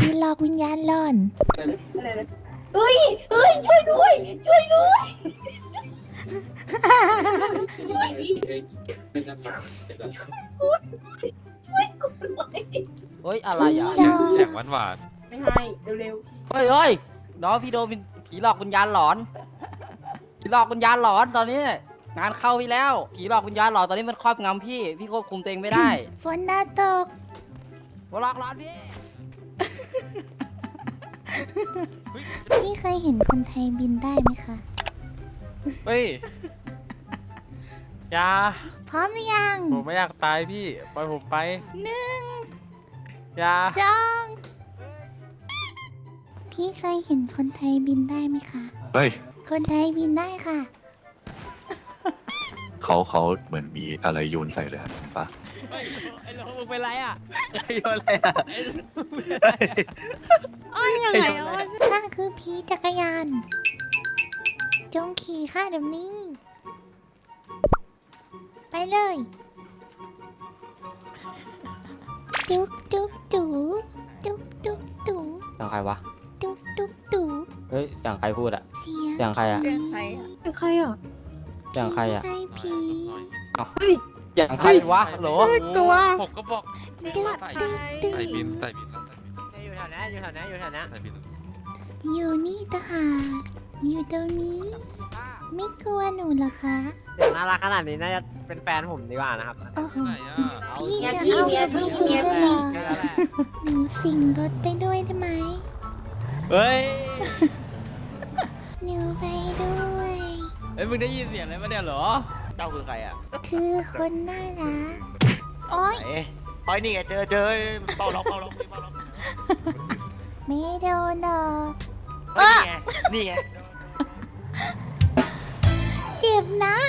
หลอกวิญญาณหลอนเฮ้ยช่วยด้วยช่วยด้วยช่วยกูหน่อยเฮ้ยอะไรอ่ะผีหลอกเสียงหวานไม่ให้เร็วเฮ้ยเฮ้ยน้องพี่โดนผีหลอกวิญญาณหลอนผีหลอกวิญญาณหลอนตอนนี้งานเข้าพี่แล้วผีหลอกวิญญาณหลอนตอนนี้มันครอบงำพี่ควบคุมตัวเองไม่ได้ฝนดาวตกผีหลอกหลอนพี่พี่เคยเห็นคนไทยบินได้ไหมคะเฮ้ยอยาพร้อมหรือยังผมไม่อยากตายพี่ปล่อยผมไป 1 อยา 2พี่เคยเห็นคนไทยบินได้ไหมคะเฮ้ยคนไทยบินได้ค่ะเขาเหมือนมีอะไรโยนใส่เลยปะไอ้โลมึงเป็นไรอ่ะโยนอะไรอ่ะอ้อนยังไงอ้อนข้าคือผีจักรยาน จงขี่ข้าเดี๋ยวนี้ ไปเลย จุ๊บจุ๊บจุ๊บจุ๊บจุ๊บจุ๊บเสียงใครวะจุ๊บจุ๊บจุ๊บเฮ้ยเสียงใครพูดอ่ะเสียงเสียงใครอะผีเป็นใครอ่ะเสียงใครอ่ะใครผีเสียงใครวะโหลตัวผมก็บอกดึ๊ดดึ๊ดดึ๊ใส่บิดนใส่บินแล้วอยู่แถวนั้นอยู่แถวนั้นอยู่แถวนั้นใส่บินอยู่นี่ตะหากอยู่ตรงนี้ ไม่กลัวหนูเหรอคะเสียงน่ารักขนาดนี้น่าจะเป็นแฟนผมดีกว่านะครับโอ้โหไหนอ่ะพี่เมียจะพี่เอาเมียกับพี่พี่เมียด้วยพี่เหรอหนูสิงรถไปด้วยได้ไหมเฮ้ยหนูไปด้วยเฮ้ยมึงได้ยินเสียงอะไรมาเนี่ยเหรอเจ้าคือใครอ่ะคือคนน่ารักโอ๊ยเฮ้ยนี่ไงเจอเป่าล็อกไม่โดนหรอกนี่ไงเจ็บนะ